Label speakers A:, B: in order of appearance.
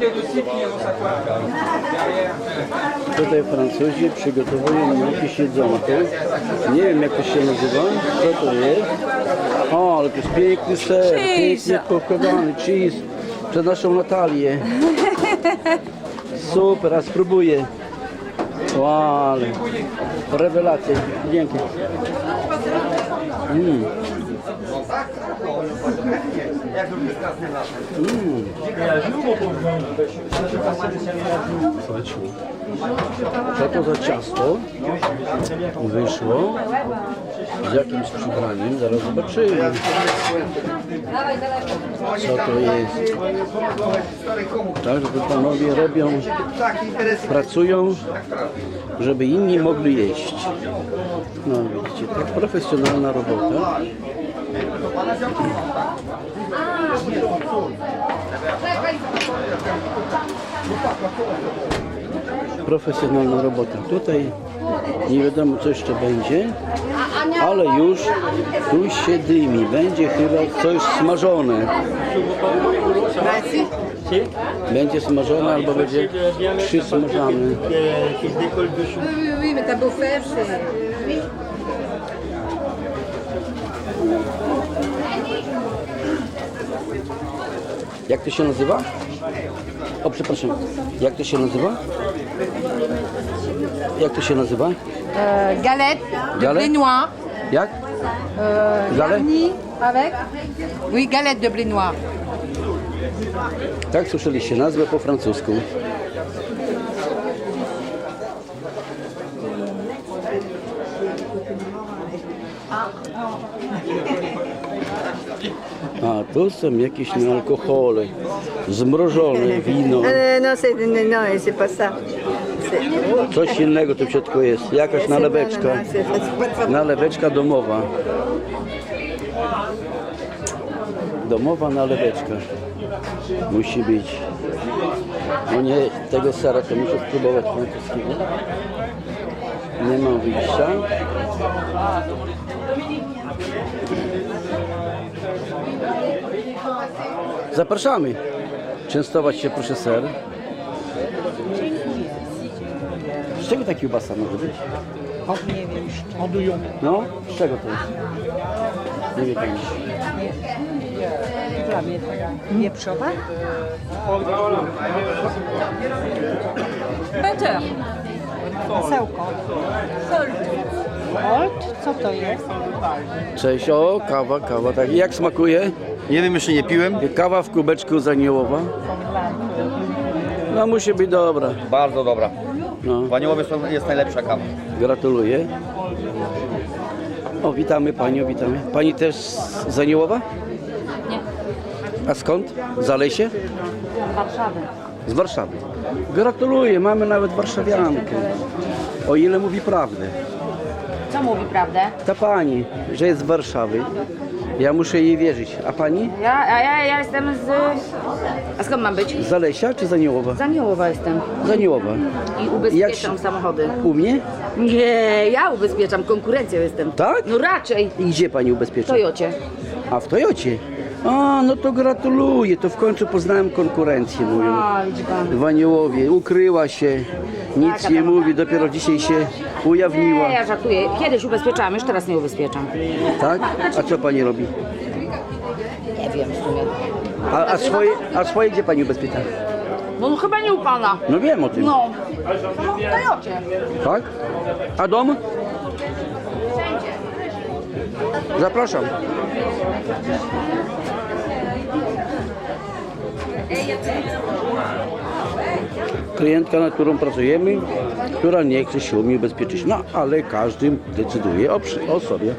A: Tutaj Francuzi przygotowują jakieś jedzonko. Nie wiem, jak to się nazywa, co to jest. O, ale to jest piękny ser, pięknie pokładany cheese przez naszą Natalię. Super, a spróbuję. Wow, ale rewelacja. Dzięki. Co to za ciasto wyszło z jakimś przybraniem? Zaraz zobaczymy. Co to jest? Tak, że to panowie robią, pracują, żeby inni mogli jeść. No widzicie, tak profesjonalna robota. Profesjonalna robota. Tutaj nie wiadomo, co jeszcze będzie, ale już tu się dymi. Będzie chyba coś smażone. Będzie smażone albo będzie przysmażane. Jak to się nazywa? O, przepraszam. Jak to się nazywa? Jak to się nazywa?
B: Galette de
A: Galette?
B: blé noir.
A: Jak? Galette?
B: Garnie avec. Oui, galette de blé noir.
A: Tak słyszeliście nazwę po francusku. A tu są jakieś alkohole, zmrożone wino.
C: Non, c'est pas ça.
A: Coś innego tu w środku jest, jakaś naleweczka. Naleweczka domowa. Domowa naleweczka. Musi być. No nie, tego sera to muszę spróbować francuskiego. Nie mam wyjścia. Zapraszamy. Częstować się, proszę, ser. Z czego ta kiełbasa może być?
D: Nie wiem,
A: No, z czego to jest? Nie wie pani.
D: dla mnie wieprzowa?
B: Butter.
D: Masełko. Old? Co to jest?
A: Cześć, o, kawa, tak. I jak smakuje?
E: Nie wiem, jeszcze nie piłem.
A: Kawa w kubeczku z aniołowa. No musi być dobra.
E: Bardzo dobra.
A: No,
E: W Aniołowie jest najlepsza kawa.
A: gratuluję. O, witamy panią, witamy. Pani też z Aniołowa?
B: Nie.
A: A skąd? Z Zalesie?
B: Warszawy.
A: Z Warszawy. Gratuluję, mamy nawet warszawiankę. O ile mówi prawdę.
B: Co mówi prawdę?
A: Ta pani, że jest z Warszawy. Ja muszę jej wierzyć. A pani?
B: Ja jestem z... A skąd mam być?
A: Z Zalesia czy z Aniołowa?
B: Z Aniołowa jestem.
A: Z Aniołowa.
B: I
A: Jak
B: ubezpieczam
A: się-
B: samochody.
A: U mnie?
B: Nie, ja ubezpieczam, konkurencją jestem.
A: Tak?
B: No raczej.
A: I gdzie pani
B: W
A: ubezpiecza?
B: Toyocie.
A: A w Toyocie? A, no to gratuluję. To w końcu poznałem konkurencję moją.
B: A, widzi pan.
A: W Aniołowie. Ukryła się. Nic
B: Taka
A: nie
B: tam-
A: mówi. Dopiero dzisiaj się ujawniła.
B: Nie, ja żartuję. Kiedyś ubezpieczałam, już teraz nie ubezpieczam.
A: Tak? A co pani robi?
B: Nie wiem w sumie.
A: A swoje gdzie pani ubezpiecza?
B: No chyba nie u pana.
A: No wiem o tym.
B: No. No w Toyocie.
A: Tak? A dom? Zapraszam. Klientka, nad którą pracujemy, która nie chce się umie ubezpieczyć. No, ale każdy decyduje o sobie.